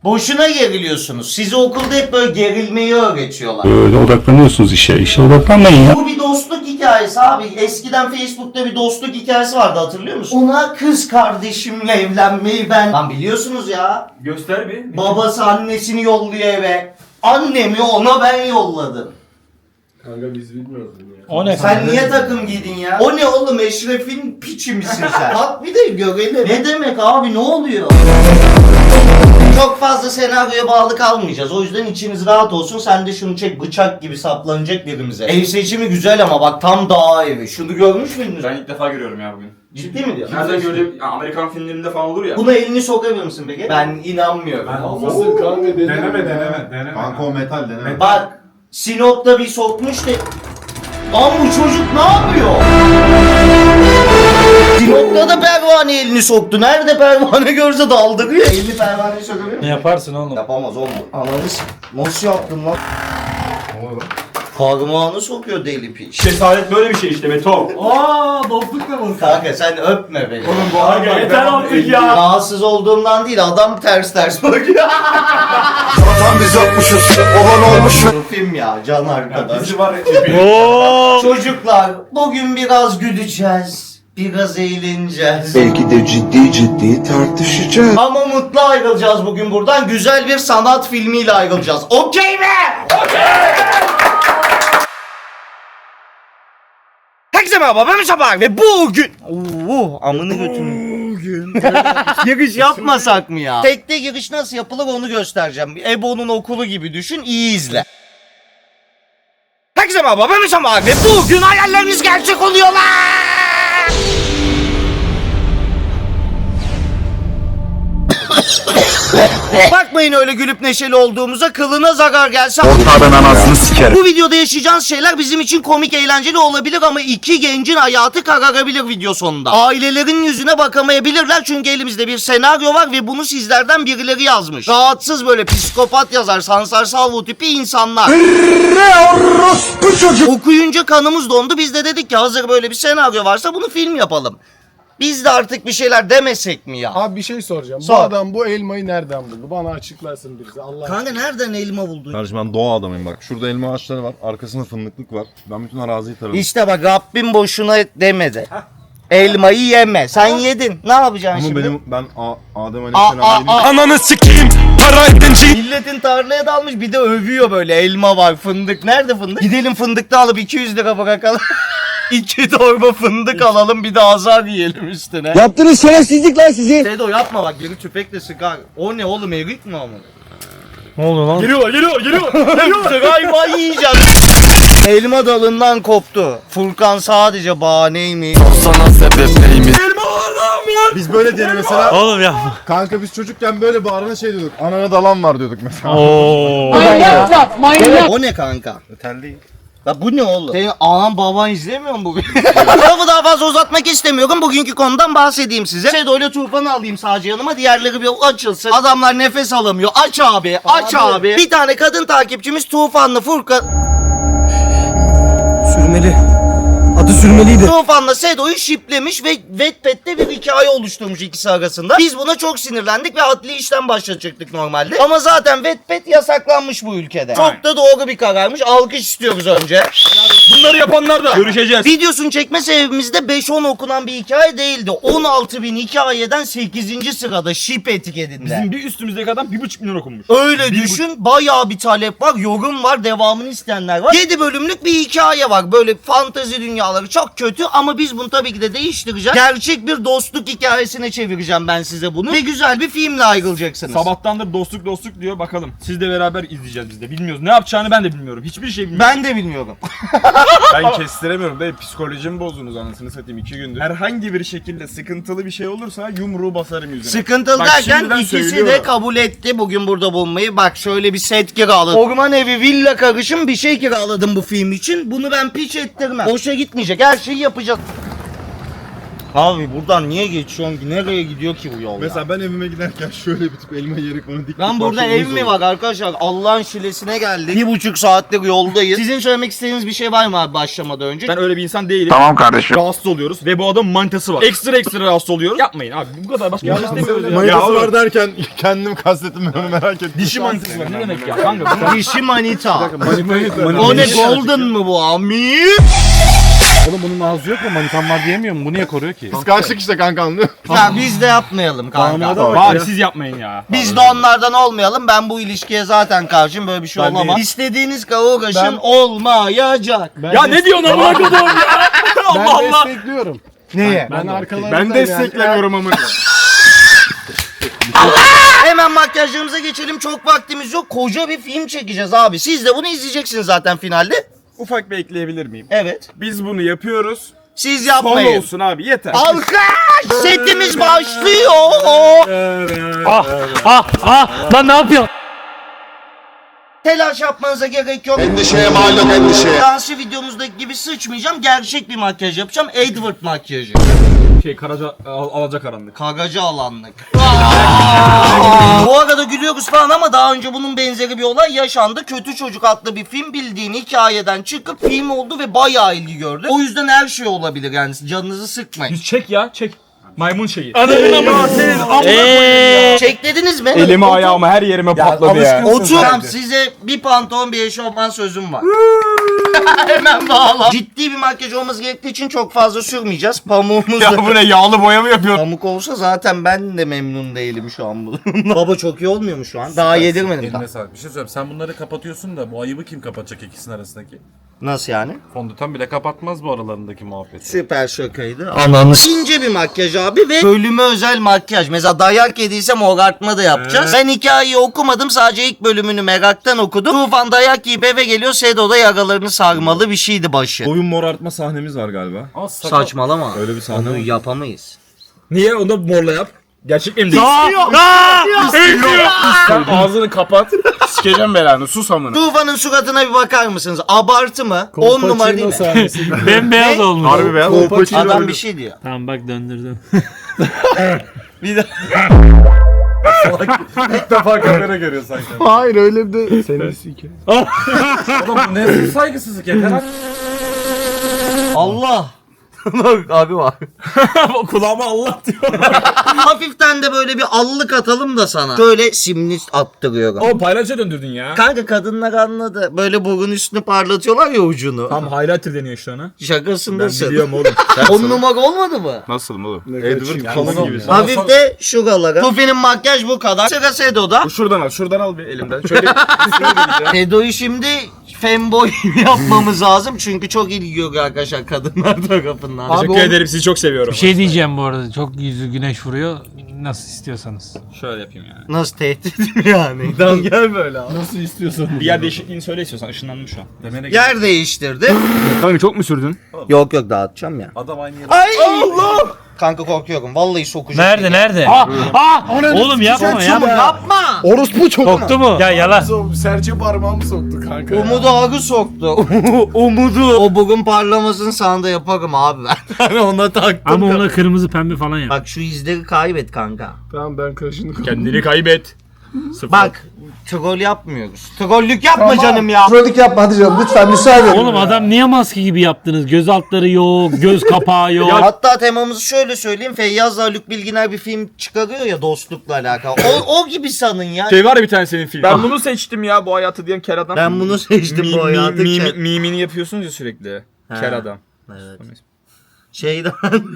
Boşuna geriliyorsunuz. Sizi okulda hep böyle gerilmeyi öğretiyorlar. Öyle odaklanıyorsunuz işe. İşe odaklanmayın ya. Bu bir dostluk hikayesi abi. Eskiden Facebook'ta bir dostluk hikayesi vardı, hatırlıyor musun? Ona kız kardeşimle evlenmeyi ben biliyorsunuz ya. Göster bir. Babası annesini yolluyor eve. Annemi ona ben yolladım. Kanka biz bilmiyoruz bunu ya. O ne? Sen niye takım giydin ya? O ne oğlum, Eşref'in piçi misin sen? Bak bir de görelim. Ne demek abi, ne oluyor? Çok fazla senaryoya bağlı kalmayacağız. O yüzden içiniz rahat olsun. Sen de şunu çek, bıçak gibi saplanacak birimize. Ev seçimi güzel ama bak tam dağ evi. Şunu görmüş müydünüz? Ben ilk defa görüyorum ya bugün. Ciddi mi diyorsun? Nereden gördüm? Ya, Amerikan filmlerinde falan olur ya. Buna elini sokabilir misin peki? Ben inanmıyorum. Olmasın kanka Deneme. Kanka o metal deneme. Bak Sinop'ta bir sokmuş da... Lan bu çocuk ne yapıyor? Sinop'ta da pervane elini soktu. Nerede pervane görse daldırıyor. Elini pervaneye sokabilir Ne mi? yaparsın oğlum? Yapamaz oğlum. Ananı nasıl yaptın lan? Parmağını sokuyor deli piç. Cesaret böyle bir şey işte Beto. Aaa dostluk da mı? Kanka sen öpme beni. Oğlum bu harbi yeter artık ya. Rahatsız olduğumdan değil, adam ters bakıyor. Tam biz yokmuşuz. Olan olmuş. Bu film ya, can arkadaş. Bizi var Çocuklar bugün biraz güleceğiz. Biraz eğleneceğiz. Belki de ciddi tartışacağız. Ama mutlu ayrılacağız bugün buradan. Güzel bir sanat filmiyle ayrılacağız. Okey mi? Herkese merhaba, ben Sabah ve bugün... amını götürün. Bugün... Giriş yapmasak mı ya? Tekte giriş nasıl yapılır onu göstereceğim. Ebo'nun okulu gibi düşün, iyi izle. Herkese merhaba, ben Sabah ve bugün hayallerimiz gerçek oluyorlar. Bakmayın öyle gülüp neşeli olduğumuza, kılına zarar gelse... Onlardan anasını sikerim. Bu videoda yaşayacağınız şeyler bizim için komik eğlenceli olabilir ama iki gencin hayatı kararabilir video sonunda. Ailelerin yüzüne bakamayabilirler çünkü elimizde bir senaryo var ve bunu sizlerden birileri yazmış. Rahatsız böyle psikopat yazar, Sansar Salvo tipi insanlar. Okuyunca kanımız dondu, biz de dedik ki hazır böyle bir senaryo varsa bunu film yapalım. Biz de artık bir şeyler demesek mi ya? Abi bir şey soracağım. Sor. Bu adam bu elmayı nereden buldu? Bana açıklarsın birisi. Allah Kanka nereden elma buldun? Kardeşim ben doğa adamıyım bak. Şurada elma ağaçları var. Arkasında fındıklık var. Ben bütün araziyi taradım. İşte bak Rabbim boşuna demedi. Elmayı yeme. Sen yedin. Ne yapacaksın Ama şimdi? ben Adem Aleyhisselam'ın Ananı sikeyim. Para edinci. Milletin tarlaya dalmış bir de övüyor böyle. Elma var, fındık. Nerede fındık? Gidelim fındıkta alıp 200 lira bırakalım. 2 torba fındık alalım, bir de azar yiyelim üstüne. Yaptığınız şerefsizlik lan sizi. Sedo yapma bak, geri tüfekle sıkar. O ne oğlum, erik mi ama? Ne oluyor lan? Geliyor. Galiba yiyeceğim. Elma dalından koptu. Furkan sadece bahaneymiş. Biz böyle diyelim mesela. Oğlum ya. Kanka biz çocukken böyle bağırana şey diyorduk. Anana dalan var diyorduk mesela. Oo. O ne kanka? Metal değil. Ya bu ne oğlum? Senin anan baban izlemiyor mu bu? Lafı daha fazla uzatmak istemiyorum. Bugünkü konudan bahsedeyim size. Sedo ile Tufan'ı alayım sadece yanıma. Diğerleri bir açılsın. Adamlar nefes alamıyor. Aç abi. Aç abi. Bir tane kadın takipçimiz Tufan'la Furkan... Sürmeli. Adı sürmeliydi. Tufan'la Sedo'yu şiplemiş ve Wattpad'de bir hikaye oluşturmuş ikisi arasında. Biz buna çok sinirlendik ve adli işlem başlatacaktık normalde. Ama zaten Wattpad yasaklanmış bu ülkede. Çok da doğru bir kararmış. Alkış istiyoruz önce. Bunları yapanlar da görüşeceğiz. Videosunu çekme sebebimiz de 5-10 okunan bir hikaye değildi. 16.000 hikayeden 8. sırada şip etiketinde. Bizim bir üstümüzdeki adam 1,5 milyon okunmuş. Öyle düşün, bayağı bir talep var, yorum var, devamını isteyenler var. 7 bölümlük bir hikaye var. Böyle fantezi dünyaları çok kötü ama biz bunu tabii ki de değiştireceğiz. Gerçek bir dostluk hikayesine çevireceğim ben size bunu. Ve güzel bir filmle ayrılacaksınız. Sabahtandır dostluk diyor, bakalım. Siz de beraber izleyeceğiz biz de. Bilmiyoruz. Ne yapacağını ben de bilmiyorum. Hiçbir şey bilmiyorum. Ben de bilmiyorum. Ben kestiremiyorum dayı, psikolojimi bozdunuz anasını satayım 2 gündür. Herhangi bir şekilde sıkıntılı bir şey olursa yumruğu basarım yüzüne. Sıkıntılı Bak derken şimdiden ikisi de söylüyorum. kabul etti bugün burada bulunmayı. Bak şöyle bir set kiraladım. Orman evi, villa karışım bir şey kiraladım bu film için. Bunu ben piç ettirmem. Boşa gitmeyecek. Her şeyi yapacağız. Abi buradan niye geçiyorsun ki? Nereye gidiyor ki bu yol ya? Mesela ben evime giderken şöyle bir tip elma yiyerek onu dik. Lan burada ev mi var arkadaşlar? Allah'ın şilesine geldik. 1,5 saattir yoldayız. Sizin söylemek istediğiniz bir şey var mı abi başlamadan önce? Ben öyle bir insan değilim. Tamam kardeşim. Rahatsız oluyoruz ve bu adamın manitası var. Ekstra rahatsız oluyoruz. Yapmayın abi. Bu kadar başka bir şey istemiyoruz ya. Manitası var derken kendim kastettim ben onu merak ettim. Dişi manitası var. Ne demek ya kanka? Dişi manita. Manita. O ne golden mı bu ami? Oğlum bunun ağzı yok mu? Manitam var diyemiyor mu? Bu niye koruyor ki? Kıskançlık işte kanka anlıyor musun? Ya biz de yapmayalım kanka. Abi siz yapmayın ya. Biz de onlardan olmayalım. Ben bu ilişkiye zaten karşıyım. Böyle bir şey olamaz. İstediğiniz kadar uğraşın olmayacak. Ya ne diyorsun amına koyduğum ya? Ben Allah Allah. destekliyorum. Neye? Ben arkalarından Ben desteklemiyorum amına. Hemen makyajlarımıza geçelim. Çok vaktimiz yok. Koca bir film çekeceğiz abi. Siz de bunu izleyeceksiniz zaten finalde. Ufak bir ekleyebilir miyim? Evet. Biz bunu yapıyoruz. Siz Son yapmayın. olsun abi yeter. Alkış! Setimiz başlıyor. Lan ne yapıyorsun? Telaş yapmanıza gerek yok. Endişeye mal yok endişeye. Dansı videomuzdaki gibi sıçmayacağım. Gerçek bir makyaj yapacağım. Edward makyajı. Karaca Alacakaranlık. Kagacı alanlık. Bu arada gülüyoruz falan ama daha önce bunun benzeri bir olay yaşandı. Kötü Çocuk adlı bir film bildiğin hikayeden çıkıp film oldu ve bayağı ilgi gördü. O yüzden her şey olabilir yani canınızı sıkmayın. Yüz çek ya çek. Maymun şeyi. Çeklediniz mi? Elimi ayağımı her yerime patladı ya. Otur. Tamam, size bir pantolon bir eşofman sözüm var. Hemen bağla. Ciddi bir makyaj olması gerektiği için çok fazla sürmeyeceğiz. Pamuğumuz da... Ya bu ne yağlı boya mı yapıyorsun? Pamuk olsa zaten ben de memnun değilim şu an bununla. Baba çok iyi olmuyor mu şu an? Daha yedirmedim. Eline sağlık. Bir şey söyleyeyim. Sen bunları kapatıyorsun da bu ayıbı kim kapatacak ikisinin arasındaki? Nasıl yani? Fondöten bile kapatmaz bu aralarındaki muhabbeti. Süper şakaydı. Ananı ince bir makyaj abi ve bölüme özel makyaj. Mesela dayak yediysem morartma da yapacağız. Ben hikayeyi okumadım, sadece ilk bölümünü meraktan okudum. Tufan dayak yiyip eve geliyor, Sedo'da yaralarını sarmalı bir şeydi başı. Boyun morartma sahnemiz var galiba. Saçmalama. Öyle bir sahne Onu var. yapamayız. Niye? Onu da morla yap. Gerçek mi değil? Sen ağzını kapat. Sikeceğim belanı. Sus amına. Tufan'ın suratına bir bakar mısınız? Abartı mı? 10 numara değil mi? Bembeyaz olmuş. Harbi beyaz. Adam bir şey diyor. Tamam bak döndürdüm. Bir de İlk defa kamera görüyor sanki. Hayır öyle bir de seni sike. Oğlum bu ne saygısızlık yeter artık. Allah. Bak abi var. Kulağıma Allah diyor. Hafiften de böyle bir allık atalım da sana. Şöyle simli attırıyorum. O paylaşa döndürdün ya. Kanka kadınlar anladı. Böyle burun üstünü parlatıyorlar ya ucunu. Tam highlighter deniyor şu an. Şakasındasın. Biliyorum oğlum. 10 numara olmadı mı? Nasıl oğlum? Edward kalın gibi. Hafif de şuralara. Tufi'nin makyaj bu kadar. Sıra Sedo'da. Şuradan al bir elimden. Şöyle Sedo'yu şimdi femboy yapmamız lazım. Çünkü çok ilgi görüyor arkadaşlar kadınlar tarafından. Teşekkür ederim, sizi çok seviyorum. Bir şey diyeceğim bu arada. Çok yüzü güneş vuruyor. Nasıl istiyorsanız. Şöyle yapayım yani. Nasıl tehdit mi yani? Tamam gel böyle abi. Nasıl istiyorsan. Bir yer değişikliğini söyle istiyorsan, ışınlandım şu an. Demene Yer değiştirdi. Kanka çok mu sürdün? Yok dağıtacağım ya. Adam aynı yere. Ay Allah! Kanka korkuyorum. Vallahi sokacak. Nerede nerede? Oğlum yapma yapma. Yapma. Orospu çok. Soktu mu? Ya yalan. Serçe parmağımı soktu kanka. Umudu ağrı soktu. Umudu. O bugün parlamasını sana da yaparım abi ben. Ben ona taktım. Ama ona kırmızı pembe falan yap. Bak şu izleri kaybet kanka. Tamam ben kaşını Kendini kaybet. Sıfır. Bak troll yapmıyoruz. Trollük yapma canım ya. Trollük yapma hadi canım lütfen müsaade edin. Oğlum adam niye maske gibi yaptınız? Göz altları yok, göz kapağı yok. Hatta temamızı şöyle söyleyeyim. Feyyaz'la Haluk Bilginer bir film çıkarıyor ya dostlukla alakalı. O gibi sanın ya. Şey var ya bir tane senin film. Ben bunu seçtim ya, bu hayatı diyen ker adam. Ben bunu seçtim bu hayatı. Mimini yapıyorsunuz ya sürekli. Ker adam. Evet. Şeyden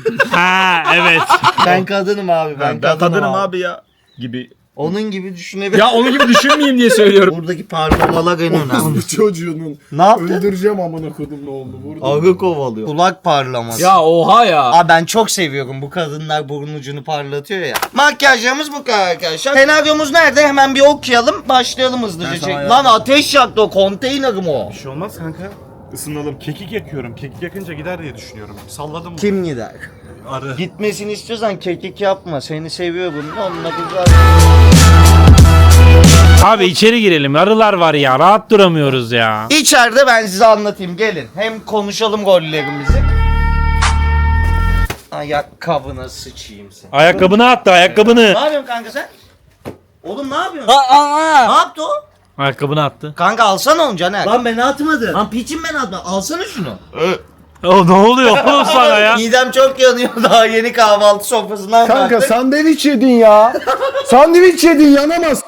Ha evet. ben kadınım abi ben kadınım abi. ya. Gibi. Onun gibi düşünebilirim. Ya onun gibi düşünmeyeyim diye söylüyorum. Buradaki parlamalar en önemli. Bu çocuğunun. Ne yaptın? Öldüreceğim amına kodum ne oldu burada. Arı kovalıyor. Kulak parlaması. Ya oha ya. Aa ben çok seviyorum bu kadınlar burun ucunu parlatıyor ya. Makyajlarımız bu kadar arkadaşlar. Senaryomuz nerede? Hemen bir okuyalım. Başlayalım hızlıca. Lan ateş yaktı o konteyner mi o? Bir şey olmaz kanka. Isınalım. Kekik yakıyorum. Kekik yakınca gider diye düşünüyorum. Salladım. Kim gider? Arı. Gitmesini istiyorsan kekik yapma. Seni seviyorum. Onunla güzel. Abi içeri girelim. Arılar var ya. Rahat duramıyoruz ya. İçeride ben size anlatayım. Gelin. Hem konuşalım gollerimizi. Ayakkabına sıçayım sen. Ayakkabını attı ayakkabını. Ne yapıyorsun kanka sen? Oğlum ne yapıyorsun? Ne yaptı o? Ayakkabını attı. Kanka alsana onu Caner. Lan ben atmadım. Lan piçim ben atmadım. Alsana şunu. Ne oluyor oğlum sana ya? Midem çok yanıyor daha yeni kahvaltı sofrasından Kanka kalktık. sandviç yedin ya. Sandviç yedin yanamaz.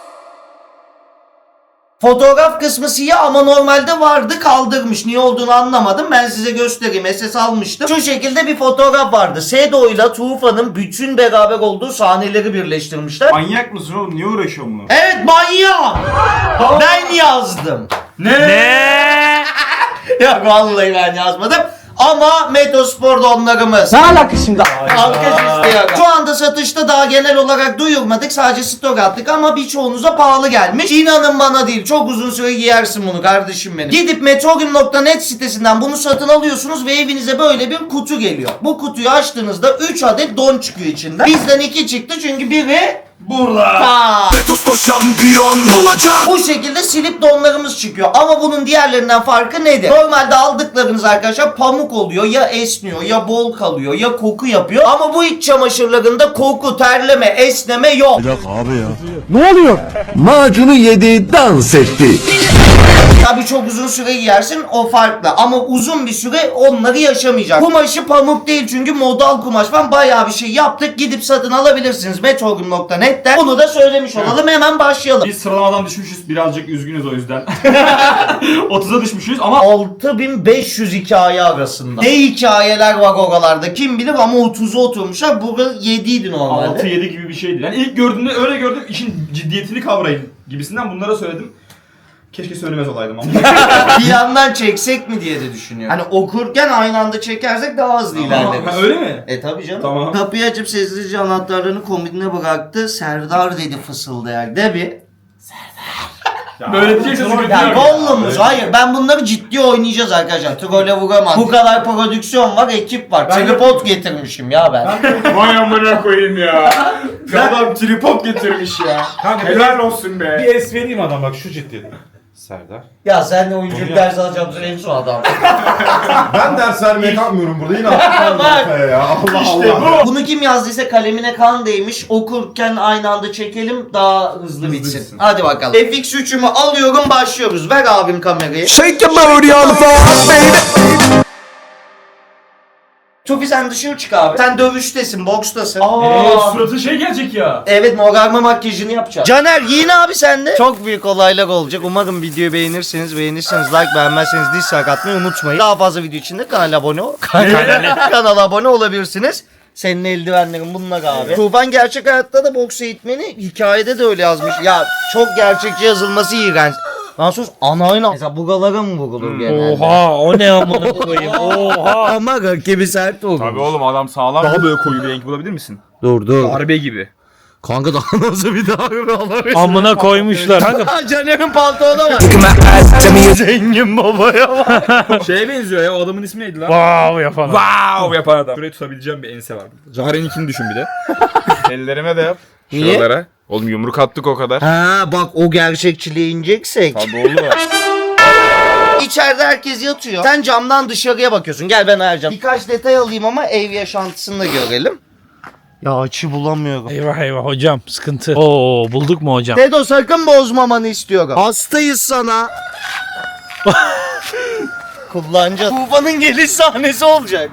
Fotoğraf kısmı siyah ama normalde vardı kaldırmış. Niye olduğunu anlamadım. Ben size göstereyim. SS almıştım. Şu şekilde bir fotoğraf vardı. Sedo ile Tufan'ın bütün beraber olduğu sahneleri birleştirmişler. Manyak mısın oğlum? Niye uğraşıyorsun bunu? Evet manyak. Ben yazdım. Ne? Ya vallahi ben yazmadım. Ama Metospor donlarımız. Ne alakası şimdi? Alkış istiyorum. Şu anda satışta daha genel olarak duyurmadık. Sadece stok attık ama birçoğunuza pahalı gelmiş. İnanın bana değil. Çok uzun süre giyersin bunu kardeşim benim. Gidip metrogym.net sitesinden bunu satın alıyorsunuz ve evinize böyle bir kutu geliyor. Bu kutuyu açtığınızda 3 adet don çıkıyor içinden. Bizden 2 çıktı çünkü biri burada. Bu şekilde silip donlarımız çıkıyor. Ama bunun diğerlerinden farkı nedir? Normalde aldıklarınız arkadaşlar pamuk oluyor. Ya esniyor, ya bol kalıyor, ya koku yapıyor. Ama bu iç çamaşırlarında koku, terleme, esneme yok. Ne oluyor? Macunu yedi, dans etti. Tabii çok uzun süre giyersin o farklı. Ama uzun bir süre onları yaşamayacak. Kumaşı pamuk değil çünkü modal kumaş falan bayağı bir şey yaptık. Gidip satın alabilirsiniz metrogym.net'ten. Bunu da söylemiş olalım. Hemen başlayalım. Biz sıralamadan düşmüşüz. Birazcık üzgünüz o yüzden. 30'a düşmüşüz ama 6500 hikaye arasında. Ne hikayeler var oralarda kim bilir ama 30'a oturmuşlar. Burada 7 idi normalde. 6-7 gibi bir şeydi. Yani ilk gördüğümde öyle gördüm. İşin ciddiyetini kavrayın gibisinden bunlara söyledim. Keşke söylemez olaydım ama. Bir yandan çeksek mi diye de düşünüyorum. Hani okurken aynı anda çekersek daha hızlı ilerleriz. Ha, öyle mi? Tabii canım. Tamam. Kapıyı açıp sessizce anahtarlarını komodine bıraktı. Serdar dedi fısıldayarak. De bir. Böyle diyeceksin sıkıntı Ya yok. Gollum'uz. Hayır ben bunları ciddi oynayacağız arkadaşlar. Trolle vuramam. Bu kadar prodüksiyon var, ekip var. Tripod getirmişim ya ben. Vay amına koyayım ya. Adam tripod getirmiş ya. Kanka Helal olsun be. bir es vereyim adam bak şu ciddiyet. Serdar. Ya sen de oyunculuk dersi alacağım en son adam. Ben ders vermeye kalkmıyorum burada. Yine attım kafaya ya. Allah Allah. Bunu kim yazdıysa kalemine kan değmiş. Okurken aynı anda çekelim daha hızlı bitsin. Hadi bakalım. FX3'ümü alıyorum başlıyoruz. Ver abim kamerayı. Shake your booty on the floor, baby. Tufi sen dışarı çık abi. Sen dövüştesin, bokstasın. Suratı şey gelecek ya. Evet morarma makyajını yapacağız. Caner giyin abi sen de. Çok büyük olaylar olacak. Umarım videoyu beğenirsiniz. Beğenirseniz like, beğenmezseniz dislike atmayı unutmayın. Daha fazla video için de kanala abone ol. Kanala abone olabilirsiniz. Senin eldivenlerin bunlar abi. Tufan gerçek hayatta da boks eğitmeni, hikayede de öyle yazmış. Ya çok gerçekçi yazılması iğrenç. Lan sus anayla. Mesela bugalara mı vurulur genelde? Oha o ne amına koyayım. Oha. Ama rakibi sert olur. Tabii oğlum adam sağlam. Daha böyle koyu bir renk bulabilir misin? Dur. Darbe gibi. Kanka daha nasıl bir darbe alabilirsin? Amına koymuşlar. Kanka Caner'in pantolonu var. Zengin babaya bak. Şeye benziyor ya o adamın ismi neydi lan? wow yapan. Wow yapan adam. Şurayı tutabileceğim bir ense var. Zahre'ninkini düşün bir de. Ellerime de yap. Niye? Şuralara. Oğlum yumruk attık o kadar. Ha bak o gerçekçiliğe ineceksek. Tabii oğlum. İçeride herkes yatıyor. Sen camdan dışarıya bakıyorsun. Gel ben ayarlayacağım. Birkaç detay alayım ama ev yaşantısını da görelim. Ya açı bulamıyorum. Eyvah eyvah hocam sıkıntı. Oo bulduk mu hocam? Dedo sakın bozmamanı istiyorum. Hastayız sana. Kullanacağız. Tufan'ın geliş sahnesi olacak.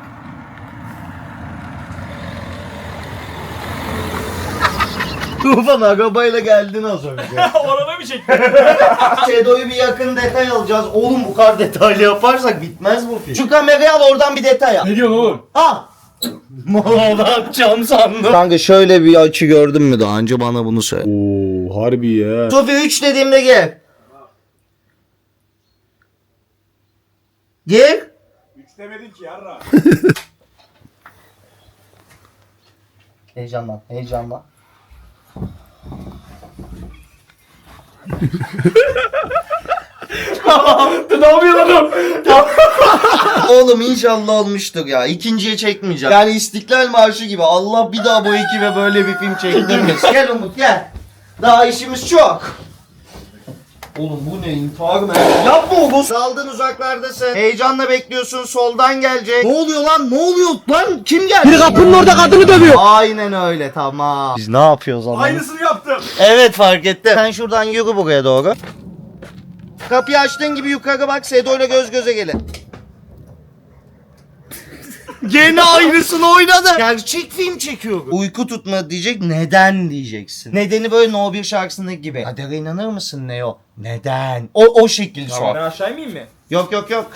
Tufan arabayla geldin az önce. Orada mı çektin? Şedo'yu bir yakın detay alacağız. Oğlum bu kadar detaylı yaparsak bitmez bu film. Şu kamerayı al oradan bir detay al. Ne diyorsun oğlum? Al. Mola atacağım sandım. Kanka şöyle bir açı gördün mü daha önce bana bunu söyle. Oo harbi ya. Sofi 3 dediğimde gel. Gel. 3 demedin ki yarra. Heyecanlan, heyecanlan. Ne yapıyorsun oğlum? Oğlum inşallah olmuştur ya. İkinciye çekmeyeceğim. Yani İstiklal Marşı gibi. Allah bir daha bu ekibe böyle bir film çektirmesin. Gel Umut gel. Daha işimiz çok. Oğlum bu ne intihar mı? Yapma oğlum. Saldın uzaklardasın. Heyecanla bekliyorsun soldan gelecek. Ne oluyor lan? Ne oluyor lan? Kim geldi? Biri kapının orada kadını dövüyor. Aynen öyle tamam. Biz ne yapıyoruz ama? Aynısını yaptım. Evet fark ettim. Sen şuradan yürü buraya doğru. Kapıyı açtığın gibi yukarı bak. Sedo ile göz göze gelin. Gene aynısını oynadı. Gerçek film çekiyor. Uyku tutma diyecek. Neden diyeceksin. Nedeni böyle No 1 şarkısındaki gibi. Kadere inanır mısın Neo? Neden? O şekil sor. Ben aşağı inmeyeyim mi? Yok.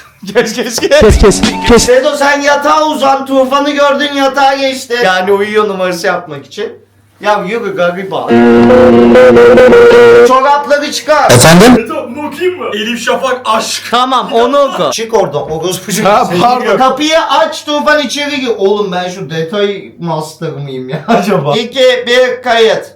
Kes. Sedo sen yatağa uzan. Tufanı gördün yatağa geçti. Yani uyuyor numarası yapmak için. Ya yürü gariba. Çorapları çıkar. Bunu okuyayım mı? Elif Şafak aşk. Tamam onu oku. Çık oradan. Orospucu. Pardon. Kapıyı aç Tufan içeri gir. Oğlum ben şu detay master mıyım ya acaba? 2, 1 kayıt.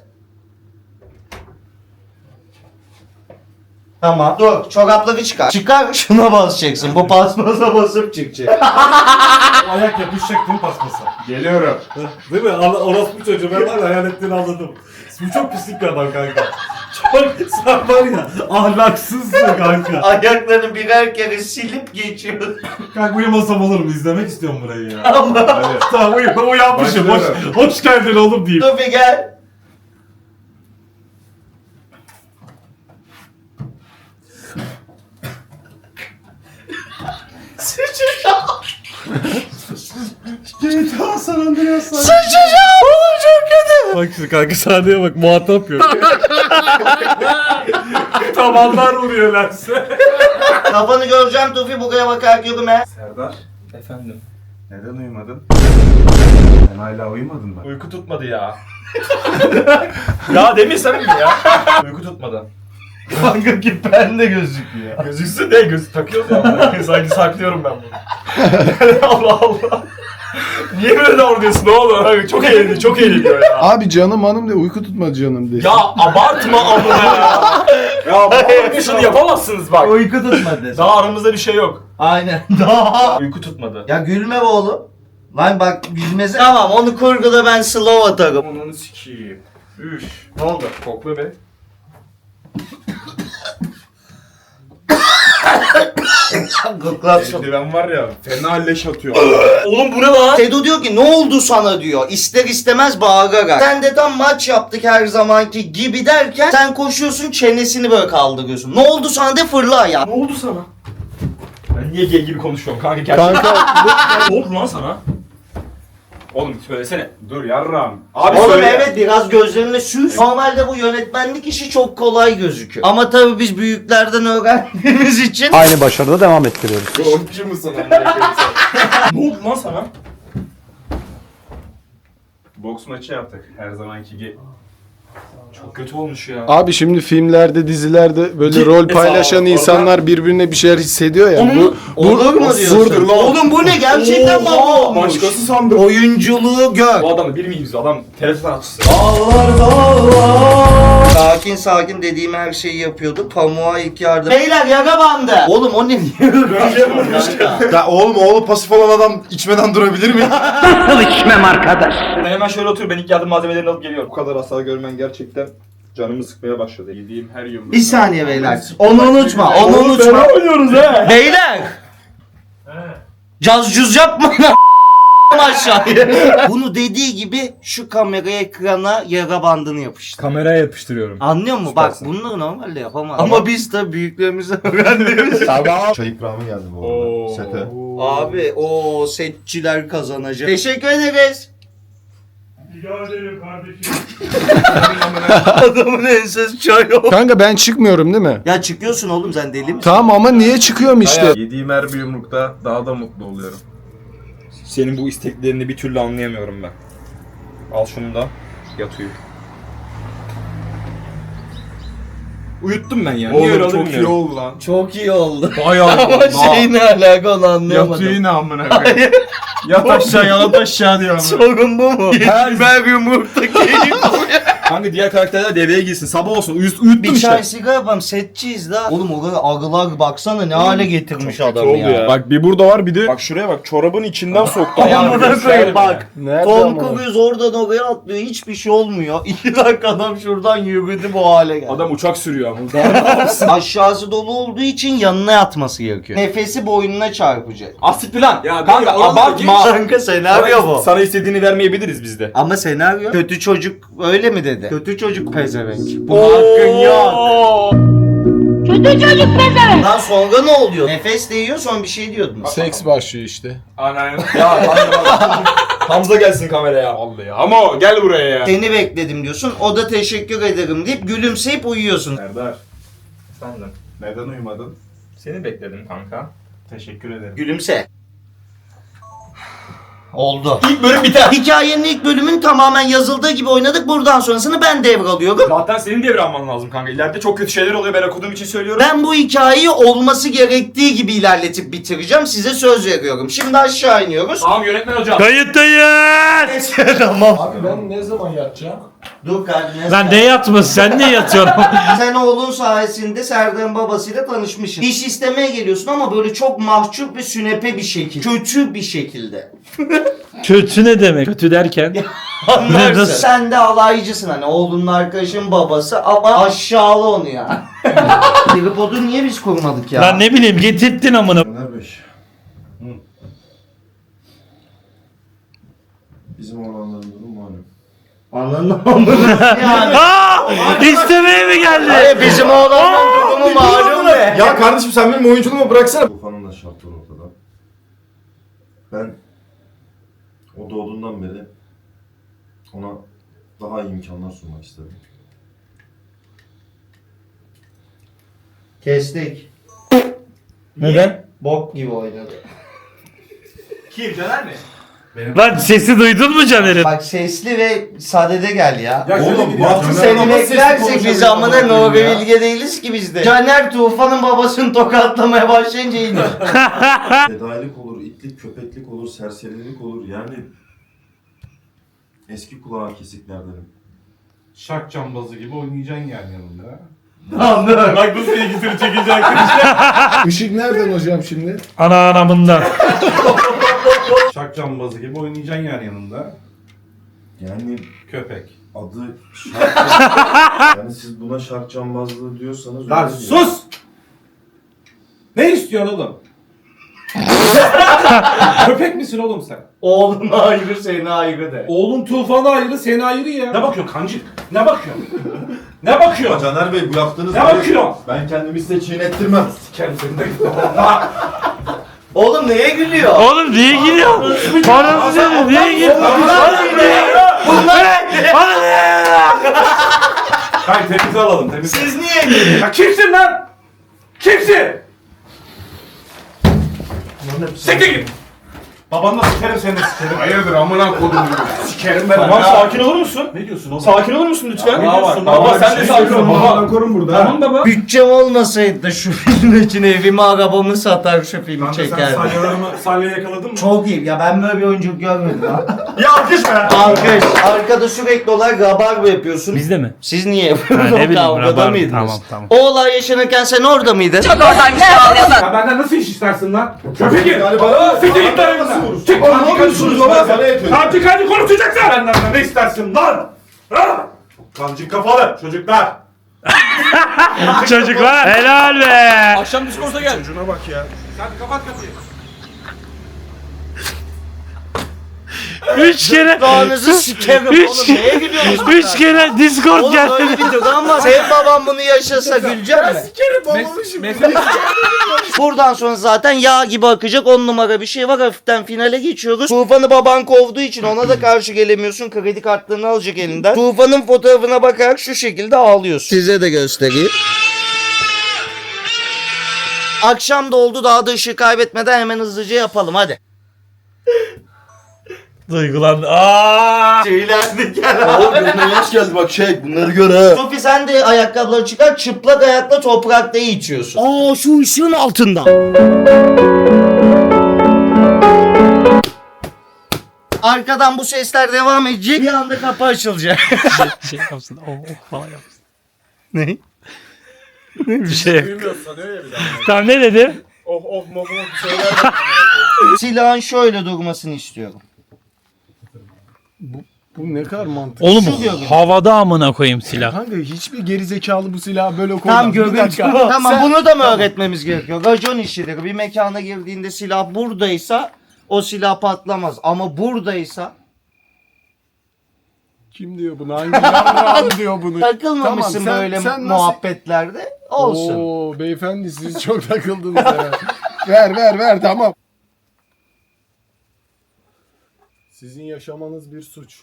Tamam. Dur. Çorapları çıkar. Çıkar şuna basacaksın. Bu paspasa basıp çıkacak. Ayak yapışacak değil mi paspasa? Geliyorum. Değil mi? Orospu çocuğu ben var ya hayal ettiğini anladım. Bu çok pislik bir adam kanka. Çok sen var ya ahlaksızsın kanka. Ayaklarını birer kere silip geçiyor. Kanka uyumasam olur mu? İzlemek istiyorum burayı ya. Ama. Tamam uyanmışım. Hoş geldin oğlum diyeyim. Dur bir gel. Sıçacağım. GTA San Andreas. Sıçacağım. Oğlum çok kötü. Bak şimdi kanka sahneye bak muhatap yok. Tavanlar vuruyor lense. Kafanı göreceğim Tufi buraya bakarak yürüme. Serdar. Efendim. Neden uyumadın? Sen hala uyumadın mı? Uyku tutmadı ya. Ya demesem mi ya? Uyku tutmadı. Kanka ki ben de gözüküyor. Gözüksün de göz takıyoruz ya. Sanki saklıyorum ben bunu. Allah Allah. Niye böyle davranıyorsun oğlum? Çok eğlendi, çok eğleniyor ya. Abi canım hanım de uyku tutma canım de. Ya abartma amına ya. Ya bu şunu yapamazsınız bak. Uyku tutmadı. Daha aramızda bir şey yok. Aynen. Daha. Uyku tutmadı. Ya gülme be oğlum. Lan bak gülmesi. Tamam onu kurguda ben slow atarım. Onu sikeyim. Üf. Ne oldu? Kokla be. Gıklatsın. Eldiven var ya. Fena leş atıyor. Oğlum bu ne lan? Tedo diyor ki ne oldu sana diyor. İster istemez bağırarak. Sen de tam maç yaptık her zamanki gibi derken sen koşuyorsun çenesini böyle kaldırıyorsun. Ne oldu sana de fırla ayağa. Ne oldu sana? Ben niye gay gibi konuşuyorum kanka gerçekten. Ne oldu lan sana? Oğlum söylesene. Dur yarram. Abi Oğlum söyle. evet biraz gözlerine süz. Normalde bu yönetmenlik işi çok kolay gözüküyor. Ama tabii biz büyüklerden öğrendiğimiz için. Aynı başarıda devam ettiriyoruz. Oyuncu musun Ne oldu lan sana? Boks maçı yaptık her zamanki gibi. Çok kötü olmuş ya. Abi şimdi filmlerde, dizilerde böyle rol paylaşan orada- insanlar birbirine bir şeyler hissediyor ya. Olur mu diyorsun? Vurdur lan. Oğlum bu ne? Gerçekten baba olmuş. Başkası sandım. Oyunculuğu gör. Bu adamı bir miyiz? Adam TRT sanatçısı. Sakin sakin dediğim her şeyi yapıyordu. Pamuğa ilk yardım. Beyler yara bandı. Oğlum o ne diyor? Ya oğlum oğlu pasif olan adam içmeden durabilir mi? Ben hemen şöyle otur, ben ilk yardım malzemelerini alıp geliyorum. Bu kadar hasar görmen gerçekten canımı sıkmaya başladı. Yediğim her yumruk. Bir saniye beyler. Onu unutma. Onu unutma. oynuyoruz he. Beyler. Caz cüz yapmayın aşağıya. Bunu dediği gibi şu kameraya ekrana yara bandını yapıştır. Kameraya yapıştırıyorum. Anlıyor musun? Bak bunları normalde yapamaz. Ama biz tabii büyüklerimizden öğrendiğimiz. Çay ikramı geldi bu arada. Sete. Abi o setçiler kazanacak. Teşekkür ederiz. Rica ederim kardeşim. Adamın ensesi çay oldu. Kanka ben çıkmıyorum değil mi? Ya çıkıyorsun oğlum sen deli misin? Tamam ama niye çıkıyorum işte? Yediğim her bir yumrukta daha da mutlu oluyorum. Senin bu isteklerini bir türlü anlayamıyorum ben. Al şunu da yat uyu. Uyuttum ben ya. Niye öyle oldu bilmiyorum. oldu lan. Çok iyi oldu. Bayağı Ama şey ne alaka onu anlayamadım. Yatıyor yine amına koyayım. Yat aşağı yat aşağı diyor ama. Sorun bu mu? Her yumrukta keyif alıyor. Kanka diğer karakterler devreye girsin. Sabah olsun. Uyuttum Bir işte. çay sigara yapalım, setçiyiz la. Oğlum o kadar ağılar baksana ne hale getirmiş adamı ya. Bak bir burada var bir de. Bak şuraya bak. Çorabın içinden soktu. Amına koyayım bak. Nerede Tom ama? Cruise oradan oraya atlıyor, hiçbir şey olmuyor. 2 dakika adam şuradan yürüdü bu hale geldi. Adam uçak sürüyor ama. Aşağısı dolu olduğu için yanına yatması gerekiyor. Nefesi boynuna çarpacak. Asit lan. Ya Kanka abartma. Kanka senaryo bu. Sana istediğini vermeyebiliriz biz de. Ama senaryo kötü çocuk öyle mi dedi? Kötü çocuk pezevenk. Buna hakkın yok. Kötü çocuk pezevenk. Lan sonra ne oluyor? Nefes değiyor sonra bir şey diyordun. Seks başlıyor işte. Aynen. Ya Hamza gelsin kameraya. Vallahi ama gel buraya ya. Seni bekledim diyorsun. O da teşekkür ederim deyip gülümseyip uyuyorsun. Serdar, Efendim. neden uyumadın? Seni bekledim kanka. Teşekkür ederim. Gülümse. Oldu. İlk bölüm biter. Hikayenin ilk bölümün tamamen yazıldığı gibi oynadık. Buradan sonrasını ben devralıyorum. Zaten senin devralman lazım kanka. İleride çok kötü şeyler oluyor. Ben okuduğum için söylüyorum. Ben bu hikayeyi olması gerektiği gibi ilerletip bitireceğim. Size söz veriyorum. Şimdi aşağı iniyoruz. Tamam yönetmen hocam. Kayıttayız. Tamam. Abi ben ne zaman yatacağım? Dur kardeşim. Lan ne yatması sen ne yatıyorsun? Sen oğlun sayesinde Serdar'ın babasıyla tanışmışsın. İş istemeye geliyorsun ama böyle çok mahcup ve sünepe bir şekilde. Kötü bir şekilde. Kötü ne demek? Kötü derken? Anlarsın. Nasıl? Sen de alaycısın hani oğlunun arkadaşın babası ama aşağıla onu ya. Tripodu niye biz kurmadık ya? Lan ne bileyim getirttin amına. Öner Bey. Bizim oğlanların durumu malum. Anladın yani. İstemeye mi geldi? Hayır bizim oğlanın durumu malum be. Ya kardeşim sen benim oyunculuğumu bıraksana. Tufanın da şartları ortada. Ben o doğduğundan beri ona daha iyi imkanlar sunmak istedim. Kestik. Neden? Bok gibi oynadı. Kim Caner mi? Lan sesi duydun mu Caner'in? Bak sesli ve sadede gel ya. Oğlum Batu Seni beklersek biz amına Nuri Bilge değiliz ki biz de. Caner Tufan'ın babasını tokatlamaya başlayınca indi. Fedailik olur, itlik, köpeklik olur, serserilik olur. Yani eski kulağa kesiklerdenim. Şak cambazı gibi oynayacaksın yani yanında. Anladım. Bak nasıl ilgisini çekecek. Işık nereden hocam şimdi? Ana anamından. Şak cambazı gibi oynayacaksın yani yanında. Yani Köpek. adı şark... yani siz buna şark cambazlığı diyorsanız... Lan öyle değil. sus! Ne istiyorsun oğlum? Köpek misin oğlum sen? Oğlun ayrı seni ayrı de. Oğlun Tufan'ı ayrı, seni ayrı ya. Ne bakıyorsun kancık? Ne bakıyorsun? Ne bakıyorsun? Caner Bey bu yaptığınız... Ne bakıyorsun? Ben kendimi size çiğnettirmem. Kendini de Oğlum neye gülüyor? Oğlum niye gidiyor? Bana söyle niye gidiyor? Oğlum niye? Bana ne? Hayır temize alalım temize. Siz niye gülüyorsunuz? Ya kimsin lan? Kimsin? Siktir git! Babanla sikerim seni de sikerim. Hayırdır amına kodum. Sikerim ben. Tamam sakin olur musun? Ne diyorsun oğlum? Sakin olur musun lütfen? Ne diyorsun? Baba sen de sakin ol baba. korun burada. Tamam baba. Bütçem olmasaydı da şu film için evimi arabamı satar şu filmi Kanka sen çekerdim. salya yakaladın mı? Çok iyi ya ben böyle bir oyunculuk görmedim ha. Ya alkış be. Alkış. Arkada sürekli olarak rabarba yapıyorsun. Bizde mi? Siz niye Ha, yapıyorsunuz? ne O bileyim, kavgada rabarba. mıydınız? Tamam. O olay yaşanırken sen orada mıydın? Ya benden nasıl iş istersin lan? Köpek git! Siktir git lan evimden! Çık! Ne yapıyorsunuz baba? Kancık konuşacaksın! Benden ne istersin lan? Ha? Kancık kafalı çocuklar! Çocuklar helal be. Akşam Discord'a gel. Hadi kapat kapıyı. 3 kere. Dağınızı sikerim oğlum neye gülüyorsunuz? 3 kere Discord Oğlum geldi. öyle bir dur ama senin baban bunu yaşasa gülecek mi? Buradan sonra zaten yağ gibi akacak 10 numara bir şey var hafiften finale geçiyoruz. Tufan'ı baban kovduğu için ona da karşı gelemiyorsun kredi kartlarını alacak elinden. Tufan'ın fotoğrafına bakarak şu şekilde ağlıyorsun. Size de göstereyim. Akşam da oldu daha da ışığı kaybetmeden hemen hızlıca yapalım hadi. Duygulandı. Aa! Tüylendik ya. yaş geldi bak bunları gör ha. Sofi sen de ayakkabıları çıkar çıplak ayakla toprakta içiyorsun. Aa şu ışığın altında. Arkadan bu sesler devam edecek. Bir anda kapı açılacak. Şey yapsın. Oh falan yapsın. Ne? Bir şey. Duymuyor sanıyor ya bir daha. Tamam ne dedi? Oh oh oh oh söyler. Silahın şöyle durmasını istiyorum. Bu ne kadar mantıklı. Oğlum Şu görüntü. havada amına koyayım silah. Kanka hiçbir gerizekalı bu silahı böyle koymaz. Tam Bir görüntü. dakika. Tamam Sen- bunu da mı öğretmemiz gerekiyor? Racon işidir. Bir mekana girdiğinde silah buradaysa o silah patlamaz. Ama buradaysa Kim diyor bunu? Hangi janran diyor bunu? takılmamışsın Tamam, böyle sen nasıl- muhabbetlerde. Olsun. Oo beyefendi siz çok takıldınız ya. ver tamam. Sizin yaşamanız bir suç.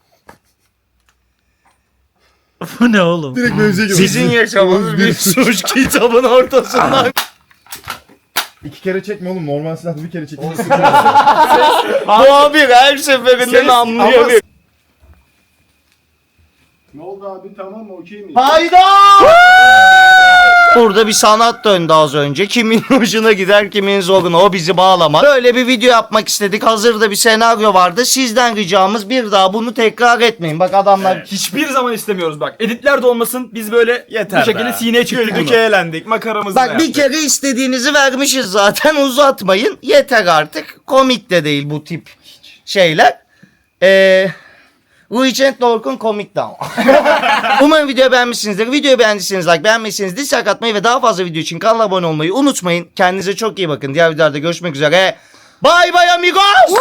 Bu ne oğlum? Direkt mevzuya giriyoruz. Sizin yaşamanız bir suç kitabın ortasından. 2 kere çekme oğlum. Normal silahda bir kere çekme. Muhabir her seferinde namlıyor. Ne oldu abi tamam okey mi? Hayda! Burada bir sanat döndü az önce. Kimin hoşuna gider, kimin zoruna. O bizi bağlamaz. Böyle bir video yapmak istedik. Hazırda bir senaryo vardı. Sizden ricamız bir daha bunu tekrar etmeyin. Bak adamlar... Hiçbir zaman istemiyoruz bak. Editler de olmasın. Biz böyle Yeter bu şekilde be. sineye çıktık Güldük bunu. eğlendik makaramızı Bak bir kere istediğinizi vermişiz zaten. Uzatmayın. Yeter artık. Komik de değil bu tip şeyler. Regent Dork'un komik de ama. Umarım videoyu beğenmişsinizdir. Videoyu beğendiyseniz like, beğenmediyseniz dislike atmayı ve daha fazla video için kanala abone olmayı unutmayın. Kendinize çok iyi bakın. Diğer videolarda görüşmek üzere. Bye bye amigos.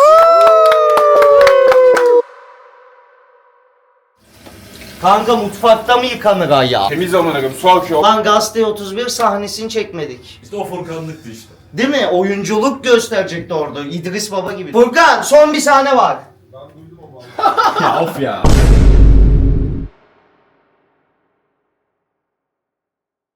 Kanka mutfakta mı yıkanır ayağı? Temiz amına koyayım su akıyor. Lan Gazete 31 sahnesini çekmedik. İşte o Furkanlıktı işte. Değil mi? Oyunculuk gösterecekti orada. İdris Baba gibi. Furkan son bir sahne var. Ya of ya.